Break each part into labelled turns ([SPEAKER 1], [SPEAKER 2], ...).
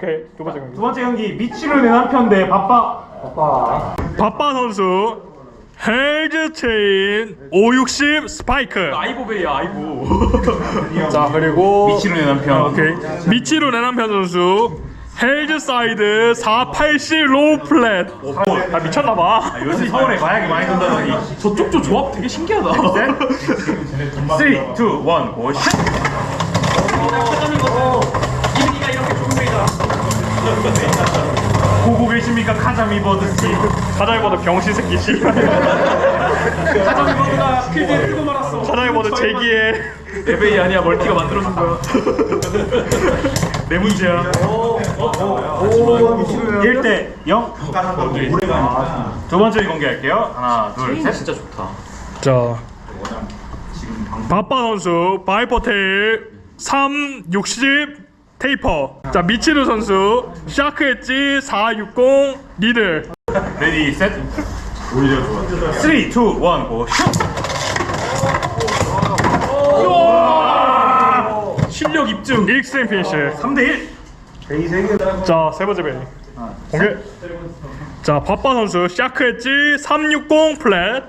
[SPEAKER 1] 오케이. 두 번째 경기.
[SPEAKER 2] 두 번째 경기 미치를 내 남편 대 바빠.
[SPEAKER 1] 바빠 선수 헬즈 체인 560 스파이크.
[SPEAKER 3] 아이보베이야 아이보.
[SPEAKER 1] 자 그리고
[SPEAKER 2] 미치로 내 남편.
[SPEAKER 1] 오케이. 미치로 내 남편 선수 헬즈 사이드 480 로우 플랫. 아 미쳤나봐.
[SPEAKER 2] 요새 서울에 마약이 많이 돈다더니.
[SPEAKER 3] 저쪽도 조합 되게 신기하다.
[SPEAKER 2] 3, 2, 1, 고! 슛!
[SPEAKER 3] 이분이가 이렇게 좋은 회이다.
[SPEAKER 2] 보고 계십니까 카자미버드 씨.
[SPEAKER 1] 가자이버드 병신 새끼 씨.
[SPEAKER 3] 가자미버드가 필드에 뜨고 말았어.
[SPEAKER 1] 가자이버드 제기에
[SPEAKER 3] 에베이 아니야 멀티가 만들어준 거야.
[SPEAKER 2] 내 문제야. 1대 0. 두 번째 공개할게요. 하나, 둘, 셋.
[SPEAKER 3] 진짜 좋다.
[SPEAKER 1] 자 바빠 선수 바이퍼테일 360 테이퍼. 자 미치루 선수 샤크 엣지 460 니들.
[SPEAKER 2] 레디, 셋. 오히려 좋아. 3, 2, 1, 고! 슛!
[SPEAKER 1] 실력 입증 익스트림 피니쉬.
[SPEAKER 2] 3대 1.
[SPEAKER 1] 자 세 번째 베이 공개. 자 바빠 선수 샤크 엣지 360 플랫.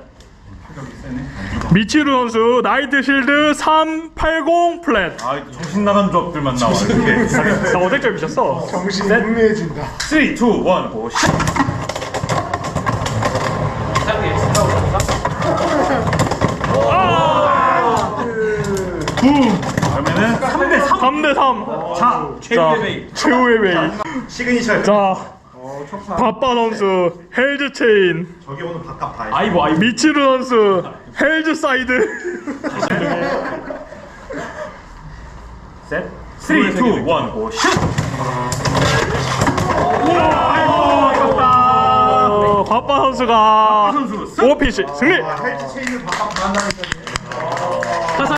[SPEAKER 1] 미치루 선수 나이트 실드 380 플랫.
[SPEAKER 2] 아, 정신 나간 조합들만 나와. 이렇게.
[SPEAKER 1] 나 어택점 미쳤어.
[SPEAKER 4] 정신이 혼미해진다.
[SPEAKER 2] 3, 2, 1, 고! 슛! 그러면은 3대 3.
[SPEAKER 1] 3대 3.
[SPEAKER 2] 자,
[SPEAKER 1] 자 최후의 베이.
[SPEAKER 2] 시그니처.
[SPEAKER 1] 자 바빠 선수 헬즈 체인.
[SPEAKER 4] 저기 오늘 바깥 봐야
[SPEAKER 3] 아이보 아이보.
[SPEAKER 1] 미치루 선수 헬즈 사이드.
[SPEAKER 2] 셋. 3, 2, 1, 고! 슛!
[SPEAKER 1] 바빠 선수가
[SPEAKER 2] 선수 승!
[SPEAKER 1] 오피시 승리.
[SPEAKER 4] 헬스 체인을 바깥 봐한다니까.